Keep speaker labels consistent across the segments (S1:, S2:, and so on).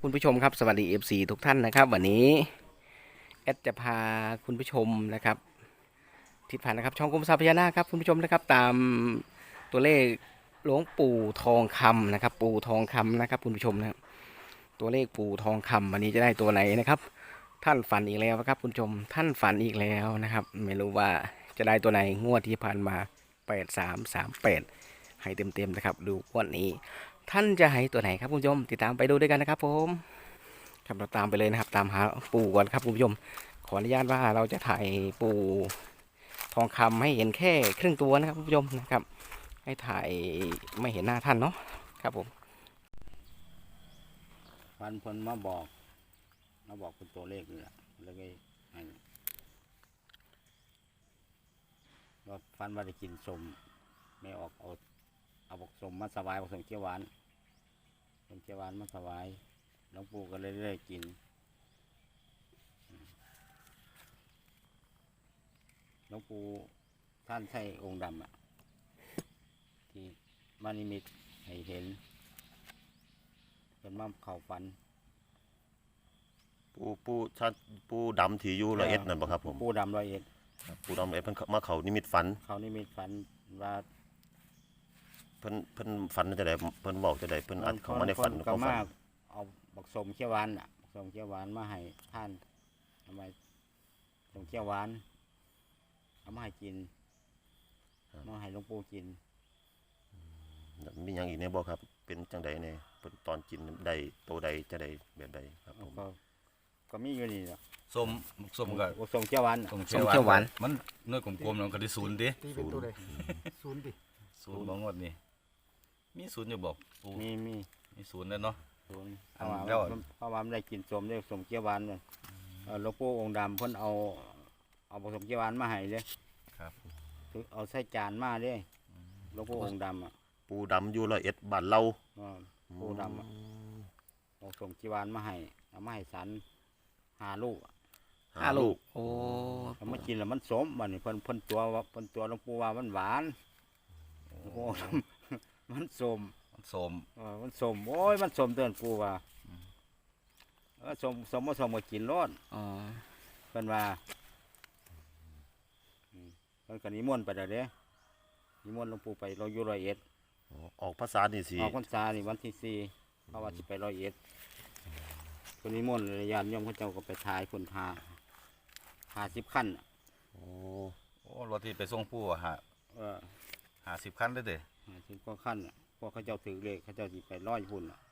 S1: คุณผู้ชมครับสวัสดี FC ทุกท่านนะครับวันนี้แอดจะพาคุณผู้ชมนะครับทิศผ่านนะครับช่องกรมทรัพย์พญานาคครับคุณผู้ชมนะครับตามตัวเลขหลวงปู่ทองคำนะครับปู่ทองคำนะครับคุณผู้ชมนะครับตัวเลขปู่ทองคำวันนี้จะได้ตัวไหนนะครับท่านฝันอีกแล้วครับคุณผู้ชมท่านฝันอีกแล้วนะครับไม่รู้ว่าจะได้ตัวไหนงวดที่ผ่านมา8338ให้เต็มๆนะครับดูงวดนี้ท่านจะให้ตัวไหนครับคุณผู้ชมติดตามไปดูด้วยกันนะครับผมครับเราตามไปเลยนะครับตามหาปู่ก่อนครับคุณผู้ชมขออนุญาตว่าเราจะถ่ายปู่ทองคำให้เห็นแค่ครึ่งตัวนะครับคุณผู้ชมนะครับให้ถ่ายไม่เห็นหน้าท่านเนาะครับผม
S2: ฟันเพนมาบอกเป็นตัวเลขนี่แหละแล้วก็ให้ว่าฟันว่าได้กินสมไม่ออกเอาบอกสมมาถวายบอกสมเขียวหวานสมเขียวหวานมาถวายหลวงปู่ก็เลยได้กินหลวงปู่ท่านใช่องค์ดำอ่ะที่มานิมิตให้เห็นเป็นมาเข่าฝัน
S3: ปูดำที่อยู่101นั่นบ่ครับผม
S2: ปู่ดำ101
S3: ครับปูดำ101เพิ่นมาเข้านิมิตฝัน
S2: เขานิมิตฝันว่า
S3: เพิ่นฝันจะได้เพิ่นบอกจะได้เพิ่นอัดเข้ามาในฝัน
S2: ก็
S3: เขาฝั
S2: มาน เอาบักสมเขียวหวานอ่ะบักสมเขียวหวานมาให้ท่านทำไมสมเขียวหวานเอามาให้กินมาให้หลวงปู่กิน
S3: มีหยังอีกแน่บ่ครับเป็นจังใดแน่เพิ่นตอนกินได้โตใดจะได้แบบใดครับผม
S2: ก็มีอยู่นี่แหละ
S4: ส้มกับ
S2: บักสมเขียวหวานน่ะ
S1: ส้มเขียวหวาน
S4: มันเนื้อกลมๆแล้วก็ได้ศูนย์ดิ
S5: ตีเป็นตัวใดศูนย์ดิ
S4: ศูนย์บางงวดนี่มีศูนย์อยู่บอกปู
S2: มี
S4: มีศูนย์แล้วเนาะ
S2: ศูนย์
S4: อั
S2: เพ
S4: น
S2: ราะ
S4: แล้ว
S2: ว่าเพราะว่ามันได้กินสมได้สมเขียวหวานเลยหลวงปู่องค์ดำเพิ่นเอาบักสมเขียวหวานมาให้เลย
S4: ครับ
S2: เอาใส่จานมาเลยหลวงปู่องค์ดำอ่ะ
S3: ปูดำอยู่101บ้านเรา
S2: ปู่ดำอ่ะเอาสมเขียวหวานมาให้เอามาให้สัน5 ลูก
S1: 5 ลูกโอ้
S2: เอามากินแล้วมันสมบัดนี้เพิ่นตัวหลวงปู่ว่ามันหวานหลวงปู่มันสม
S4: มันส้ม
S2: มันสมโอ้ยมันสมเตือนปู่ว่าสมบ่สมก็กินรส
S1: อ๋อ
S2: เพิ่นว่าเพิ่นก็นิมนต์ไปแล้วเด้นิมนต์หลวงปู่ไปเราอยู่101
S3: ออกภาษานี่สิ
S2: ออกพรรษานี่วันที่4เพราะว่าสิไป101เพิ่นนิมนต์เลยญาติโยมเขาเจ้าก็ไปถ่ายคน50คันน่ะ
S3: โอ้
S4: โอ้รถที่ไปส่งปูอะ
S2: เออ
S4: 50คันได้เด้
S2: 50กว่าคันน่ะพวกเขาเจ้าถือเลขเขาเจ้าสิไป100พุ่นน่ะ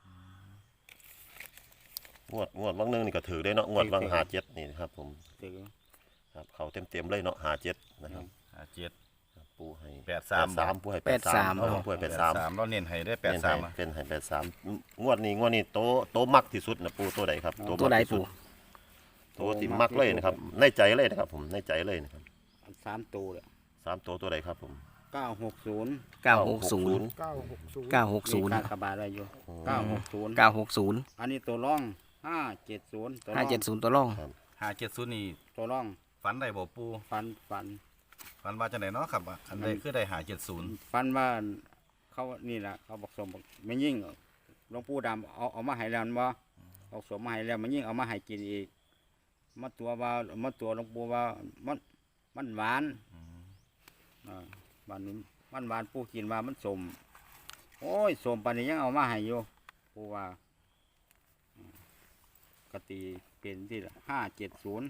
S3: งวดบางนึงนี่ก็ถือได้เนาะงวดบาง57นี่นะครับผม
S2: ถือ
S3: ครับเข้าเต็มๆเลยเนาะ57นะครับ
S4: 57
S3: ครับปูให้
S4: 83
S3: ปูให้83เอาปูให้83
S4: เราเน้นให้ได้83อ่ะ
S3: เป็นให้83งวดนี้โตมักที่สุดนะปูตัวใดครับ
S1: ตัวใดปู่
S3: ตัวที่มักเลยนะครับในใจเลยนะครับผมในใจเลยนะครับ
S2: อัน3ตัวเลย
S3: 3ตัวใดครับผม
S2: 960
S1: 960
S5: 960
S2: กากบาทอะไรอยู่960
S1: 960
S2: อันนี้ตัวร่อง570ตัวร่อง
S1: 570ตัวร่อง
S4: 570นี่
S2: ตัวร่อง
S4: ฝันได้บ่ปู
S2: ฟัน
S4: ฝันว่าจังไดเนาะครับอันใดคือได้570
S2: ฟันว่าเขานี่แหละเขาบอกสมบอกไม่ยิ่งหลวงปู่ดำเอามาให้แล้วบ่เอาสมมาให้แล้วมันยิ่งเอามาให้กินอีกมาตัวหลวงปู่ว่ามันหวานบ้านนี้มันหวานปู่กินว่ามันสมโอ้ยสมปานนี้ยังเอามาให้อยู่ปู่ว่ากตีเป็นที่570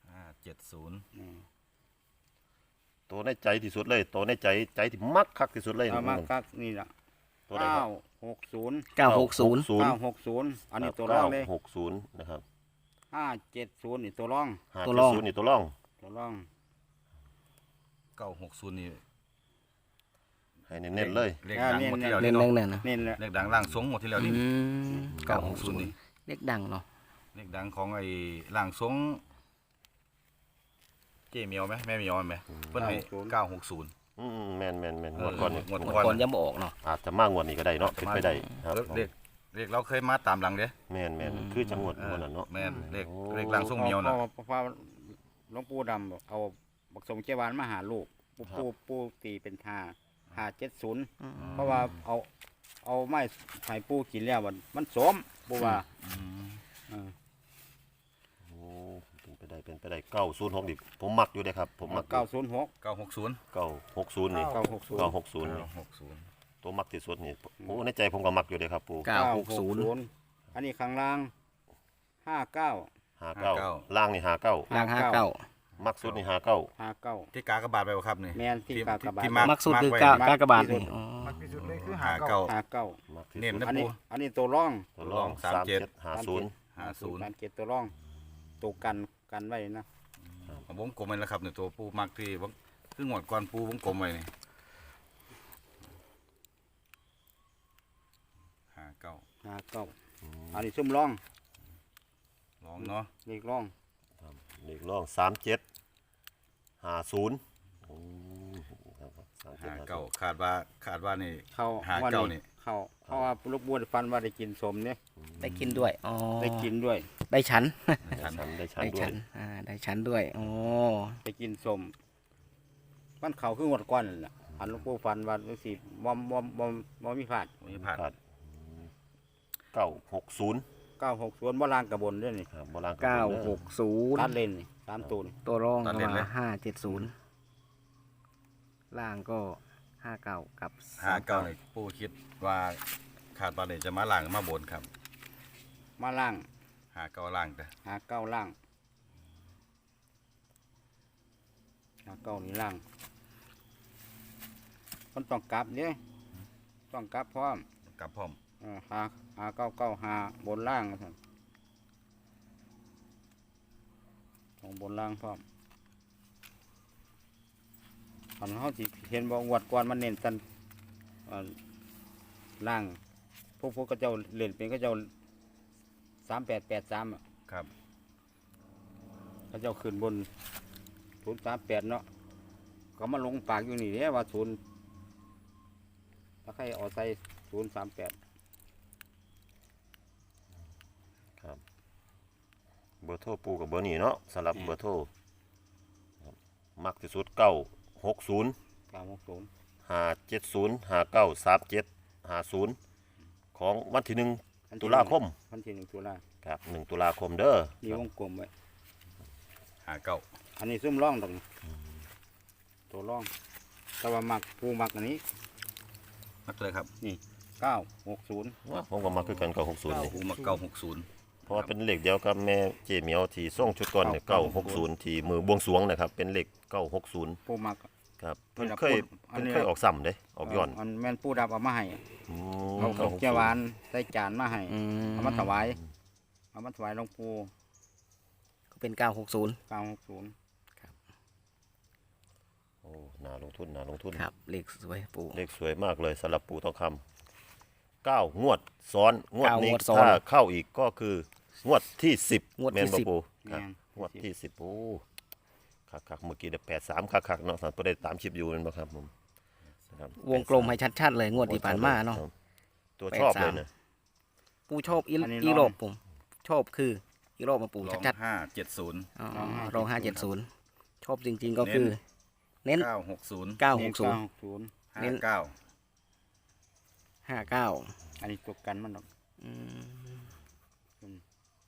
S3: ตัวในใจที่สุดเลยตัวในใจที่มักคักที่สุดเลย
S2: เอามากักนี่ล่ะ
S3: ตัวใดครับ
S2: 960
S1: 960
S2: อันนี้ตัวร่องเลย
S3: 960นะครับ
S2: 570นี่ตัวร่อง
S1: ตัวร่อง
S3: 570นี่ตัวร่อง
S2: ตัวร่อง
S4: 960นี่
S3: ให้เน้นๆเลย
S4: เลขดังหมดที่แล้ว
S1: เล่
S4: นี่
S1: น
S4: เนาะ
S1: เล่นนะ
S2: นี่แหละ
S4: เลขดังล่างทรงหมดที่แล้วนี่
S1: 960
S4: นี่
S1: เลขดังเนาะ
S4: เลขดังของไอ้ล่างทรงเจ๊เมียวไหมแม่เมียวไหมเพิ่นให้960
S3: แม่นงวดก่อนนี่
S4: งวด
S1: ก่อนยังบ่ออกเนาะ
S3: อาจจะมากงวดนี้ก็ได้เนาะเป็นไปได้ครับ
S4: เลขเราเคยมาตามหลังเด้
S3: แม่นคือจังหวัดงวดนั้นเนาะ
S4: แม่นเลขล่างทรงเมียวน่ะ
S2: พอหลวงปู่ดำบอกเอาบักสมเจวานมาหาลูกปู่ตีเป็น570เพราะว่าเอาเอาไม้ไผ่ปูกินแล้วมันสมปูว่า
S3: โอ้เป็นไปได้906ดิผมมักอยู่เด้ครับผมมัก
S2: 906
S4: 960
S3: 960นี่
S2: 960
S3: 960นี่
S4: 960
S3: ตัวมักที่สุดนี่โอ้ในใจผมก็มักอยู่เด้ครับปู่
S1: 960
S2: อันนี้ข้างล่าง59
S3: 59ล่างนี่59
S1: ล่าง59
S3: มักสุดนี่59
S4: ที่กากบาทไปบ่ครับนี่
S2: แม่นที่กากบาท
S4: ที่
S1: มักสุดคือ
S4: ไว้
S1: กากบาทนี่อ๋อ
S5: มักที่สุดเลยคือ
S4: 59
S3: มักที่
S4: เน้น
S3: สุด
S4: นะ
S2: อัน
S4: ปู
S2: นี้อันนี้ตัวร่อง
S3: ตัวรอง
S4: 37
S3: 3750
S2: 37ตัวร่องตัวกันไว้นะ
S4: วงกลมไว้แล้วครับเนี่ยตัวปูมักที่คืองวดก่อนปูวงกลมไว้นี่
S2: 59อันนี้ซุ่มร่อง
S4: ลองเนาะ
S2: เลขร่อง
S3: เลขรอง3750โอ้ครับ3750
S4: 59คาดว่านี่
S2: เข้า
S4: 59นี่
S2: เข้าเพราะว่าลูกบัวฟันว่าได้กินสมเนี่ย
S1: ได้กินด้วยอ๋อ
S2: ได้กินด้วย
S1: ได้ชั้น
S3: ได้ชั้น
S1: ได้
S3: ด้ว
S1: ชั้
S3: ย
S1: นได้ชั้นด้วยอ๋อ
S2: ได้กินสมมันเขาคือหมดก้อนนั่นล่ะอันลูกบัวฟันว่าสิบ่มีพลาด
S4: มีผ่าน
S3: ครับ960
S2: 960บ่ล่างกระบนด้วยนี่
S3: ครับโบราณ
S1: 960
S2: ตัดเลนนี่3ตัวนี่
S1: ตัวรองก็มา570ล่างก็59กับ
S4: 59นี่ปูคิดว่าคาดว่านี่จะมาล่างมาบนครับ
S2: มาล่าง
S4: 59ล่างแต่
S2: 59ล่าง59นี่ล่างมันต้องกลับเนี่ยต้องกลับพร้อม
S4: กลับพร้อม
S2: 5995บนล่างนะครับของบนล่างพร้อมตอนเขาสิเห็นบ่งวดก่อนมันเน้นสันล่างพวกก็เจ้าเล่นเป็นก็เจ้า3883อ่ะ
S4: ครับ
S2: ก็เจ้าขึ้นบน038เนาะก็มาลงปากอยู่นี่เด้ว่า0ถ้าใครเอาใส่038
S3: ครับเบอร์โทรปูกับเบอร์นี้เนาะสำหรับเบอร์โทรครับมักที่สุด960
S2: 960
S3: 570 593750ของวันที่1ตุลาคม
S2: วันที่1ตุลา
S3: ครับ1ตุลาคมเด้อ
S2: มีวงกลมไว้
S4: 59
S2: อันนี้ซุ่มร่องตรงนี้ตัวร่องแต่ว่ามักปูมักอันนี้
S4: มักเลยครับ
S2: 960
S3: ว่าผมก็มักคือกัน960นี่
S4: ปูมัก960
S3: เพราะว่าเป็นเลขเดียวกับแม่เจเหมียวที่ส่งชุดก่อนเนี่ย960ที่มือบวงสรวงนะครับเป็นเลข960
S2: ปูมัก
S3: ครับเพิ่น
S2: นี่ล่ะ
S3: เคย
S2: อันนี้
S3: เพิ่นเคยออกซ้ำเด้ออกย้อน
S2: อันแม่นปูดับเอามาให้
S3: อืม
S2: เอาของเจ้าหวานใส่จานมาให้
S1: อืม
S2: เอามาถวายเอามาถวายหลวงปู่
S1: ก็เป็น960
S2: 960
S3: โอ้น่าลงทุน
S1: ครับเลขสวยปู่
S3: เลขสวยมากเลยสำหรับปู่ทองคำ9งวดซ้อนงวดนี้
S1: 9งวดซ้อน
S3: ถ้าเข้าอีกก็คืองวดที่10
S1: งวดที่
S3: แม่นบ่
S1: 10
S3: ปู่ครับ
S2: แม่น
S3: งวดที่10โอ้คักๆเมื่อกี้ได้83คักๆเนาะสันบ่ได้ตามชิปอยู่แม่นบ่ครับผมนะครับ
S1: วงกลมให้ชัดๆเลยงวดที่ผ่านมาเนาะ
S3: ตัวชอบเลยนะ
S1: ปู่ชอบอี
S2: อันนี้
S1: อี
S2: ลอง
S1: โรบผมชอบคืออีโรบมาปู่
S4: ลอง
S1: ชัด
S4: 570
S1: ๆอ๋อรอง570ชอบจริงๆก็คือ เน้น
S4: 960
S1: 960
S2: 960
S1: 59
S2: อันนี้ตัวกันมันดอก
S1: อืม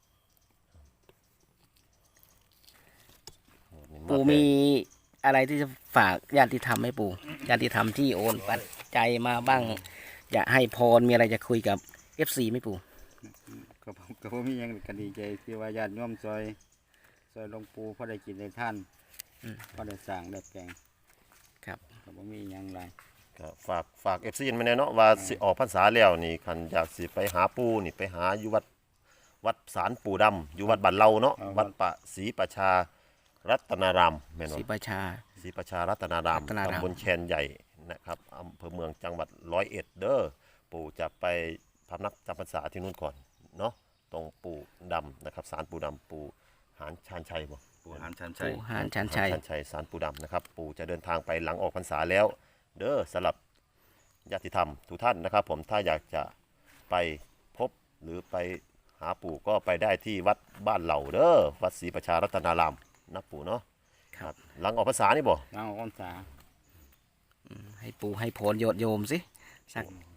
S1: ปู่มีอะไรที่จะฝากญาติธรรมให้ปู่ญาติธรรมที่โอนปัจจัยมาบ้าง อยากให้พรมีอะไรจะคุยกับ FC ไหมปู่
S2: ก็บ่มีหยังก็ดีใจที่ว่าญาติโยมซอยหลวงปู่พอได้กินได้ท่านพอได้สร้างได้แปลง
S1: ครับ
S2: ก็บ่มีหยังหลาย
S3: ก็ฝาก FC มาแน่เนาะว่าสิออกพรรษาแล้วนี่คันอยากสิไปหาปู่นี่ไปหาอยู่วัดศาลปู่ดำอยู่วัดบ้านเราเนาะวัดปะศรีประชารัตนารามแม่น
S1: ศรี
S3: บ่
S1: ประชา
S3: ศรีประชารัตนาราม
S1: รัตนาราม
S3: ตำบลแคนใหญ่นะครับอำเภอเมืองจังหวัด101เด้อปู่จะไปพำนักจำพรรษาที่นู่นก่อนเนาะตรงปู่ดำนะครับศาลปู่ดำปู่หานชานชัยบ่
S4: ปูหานชันชัย
S1: ปู่หานชันชัย
S3: ชานชัยศาลปู่ดำนะครับปู่จะเดินทางไปหลังออกพรรษาแล้ว เด้อสำหรับญาติธรรมทุกท่านนะครับ ผมถ้าอยากจะไปพบหรือไปหาปู่ก็ไปได้ที่วัดบ้านเหล่าเด้อวัดศรีประชารัตนารามนะปู่เนาะ
S1: ครับ
S3: หลังออกพรรษานี่บ่
S2: ทางออกพรรษา
S1: ให้ปู่ให้พรโยมสิสัก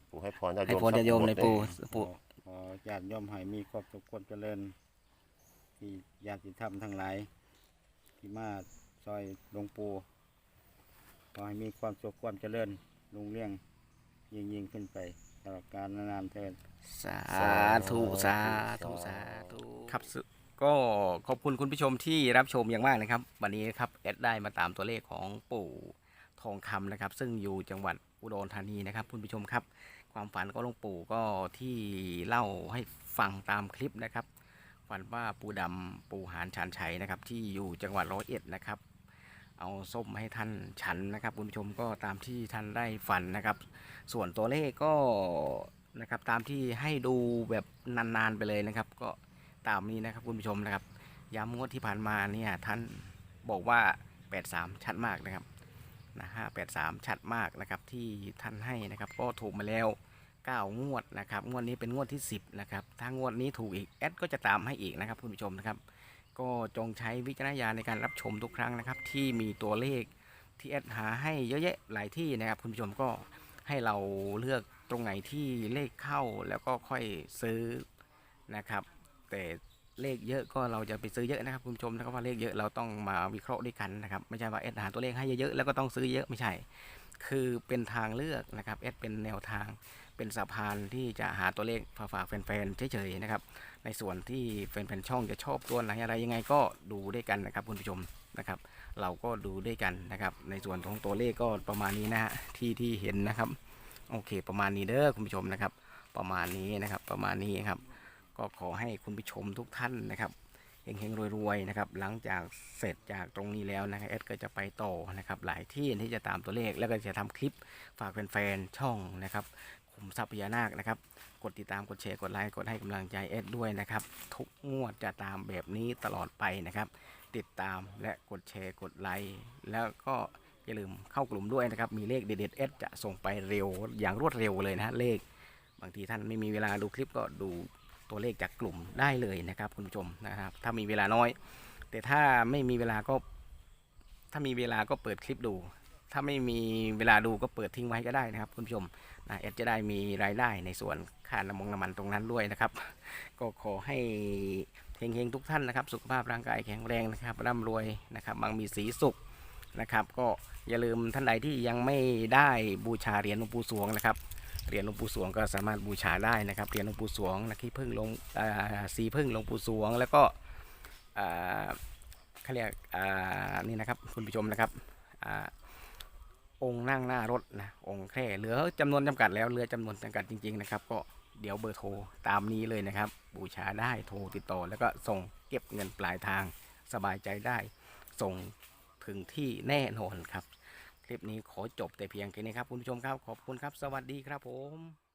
S3: ปู่ให้พรญาติ
S1: ให้
S3: โยม
S1: พรญาติโยมในปู่
S2: ขอญาติโยมให้มีครอบสุขความเจริญที่ญาติธรรมทั้งหลายที่มาซอยหลวงปู่ขอให้มีความสุขความเจริญรุ่งเรืองยิ่งขึ้นไปตลอดกาลนานๆเถิด
S1: สาธุสาธุสาธุครับก็ขอบคุณคุณผู้ชมที่รับชมอย่างมากนะครับ วันนี้ครับแอดได้มาตามตัวเลขของปู่ทองคำนะครับ ซึ่งอยู่จังหวัดอุดรธานีนะครับคุณผู้ชมครับ ความฝันของหลวงปู่ก็ที่เล่าให้ฟังตามคลิปนะครับฝันว่าปู่ดำปู่หานชานชัยนะครับ ที่อยู่จังหวัด101นะครับ เอาส้มมาให้ท่านฉันนะครับคุณผู้ชมก็ตามที่ท่านได้ฝันนะครับ ส่วนตัวเลขก็นะครับตามที่ให้ดูแบบนานๆไปเลยนะครับ ก็ตามนี้นะครับคุณผู้ชมนะครับย้ำงวดที่ผ่านมาเนี่ยท่านบอกว่า83ชัดมากนะครับนะ583ชัดมากนะครับที่ท่านให้นะครับก็ถูกมาแล้ว9งวดนะครับงวดนี้เป็นงวดที่10นะครับถ้างวดนี้ถูกอีกแอดก็จะตามให้อีกนะครับคุณผู้ชมนะครับก็จงใช้วิจารณญาณในการรับชมทุกครั้งนะครับที่มีตัวเลขที่แอดหาให้เยอะแยะหลายที่นะครับคุณผู้ชมก็ให้เราเลือกตรงไหนที่เลขเข้าแล้วก็ค่อยซื้อนะครับแต่เลขเยอะก็เราจะไปซื้อเยอะนะครับคุณผู้ชมนะครับว่าเลขเยอะเราต้องมาวิเคราะห์ด้วยกันนะครับไม่ใช่ว่าแอดหาตัวเลขให้เยอะๆแล้วก็ต้องซื้อเยอะไม่ใช่คือเป็นทางเลือกนะครับแอดเป็นแนวทางเป็นสะพานที่จะหาตัวเลขฝากแฟนๆเฉยๆนะครับในส่วนที่แฟนๆช่องจะชอบตัวไหนอะไรยังไงก็ดูด้วยกันนะครับคุณผู้ชมนะครับเราก็ดูด้วยกันนะครับในส่วนของตัวเลขก็ประมาณนี้นะฮะที่เห็นนะครับโอเคประมาณนี้เด้อคุณผู้ชมนะครับประมาณนี้นะครับประมาณนี้ครับก็ขอให้คุณผู้ชมทุกท่านนะครับเฮงๆรวยๆนะครับหลังจากเสร็จจากตรงนี้แล้วนะครับเอสก็จะไปต่อนะครับหลายที่ที่จะตามตัวเลขแล้วก็จะทำคลิปฝากแฟนๆช่องนะครับขุมทรัพย์พญานาคนะครับกดติดตามกดแชร์กดไลค์กดให้กำลังใจเอสด้วยนะครับทุกงวดจะตามแบบนี้ตลอดไปนะครับติดตามและกดแชร์กดไลค์แล้วก็อย่าลืมเข้ากลุ่มด้วยนะครับมีเลขเด็ดๆเอสจะส่งไปเร็วอย่างรวดเร็วเลยนะฮะเลขบางทีท่านไม่มีเวลาดูคลิปก็ดูตัวเลขจากกลุ่มได้เลยนะครับคุณผู้ชมนะครับถ้ามีเวลาน้อยแต่ถ้าไม่มีเวลาก็เปิดคลิปดู ถ้าไม่มีเวลาดูก็เปิดทิ้งไว้ก็ได้นะครับคุณผู้ชมนะแอดจะได้มีรายได้ในส่วนค่าน้ำมันตรงนั้นด้วยนะครับก็ขอให้เฮงๆทุกท่านนะครับสุขภาพร่างกายแข็งแรงนะครับร่ำรวยนะครับมั่งมีสีสุขนะครับก็อย่าลืมท่านใดที่ยังไม่ได้บูชาเหรียญหลวงปู่สวงนะครับเหรียญหลวงปู่สวงก็สามารถบูชาได้นะครับเหรียญหลวงปู่สวงนะขี้ผึ้งลงสีผึ้งหลวงปู่สวงแล้วก็เขาเรียกนี่นะครับคุณผู้ชมนะครับองค์นั่งหน้ารถนะองค์แค่เหลือจำนวนจำกัดแล้วเหลือจำนวนจำกัดจริงๆนะครับก็เดี๋ยวเบอร์โทรตามนี้เลยนะครับบูชาได้โทรติดต่อแล้วก็ส่งเก็บเงินปลายทางสบายใจได้ส่งถึงที่แน่นอนครับคลิปนี้ขอจบแต่เพียงแค่นี้ครับคุณผู้ชมครับขอบคุณครับสวัสดีครับผม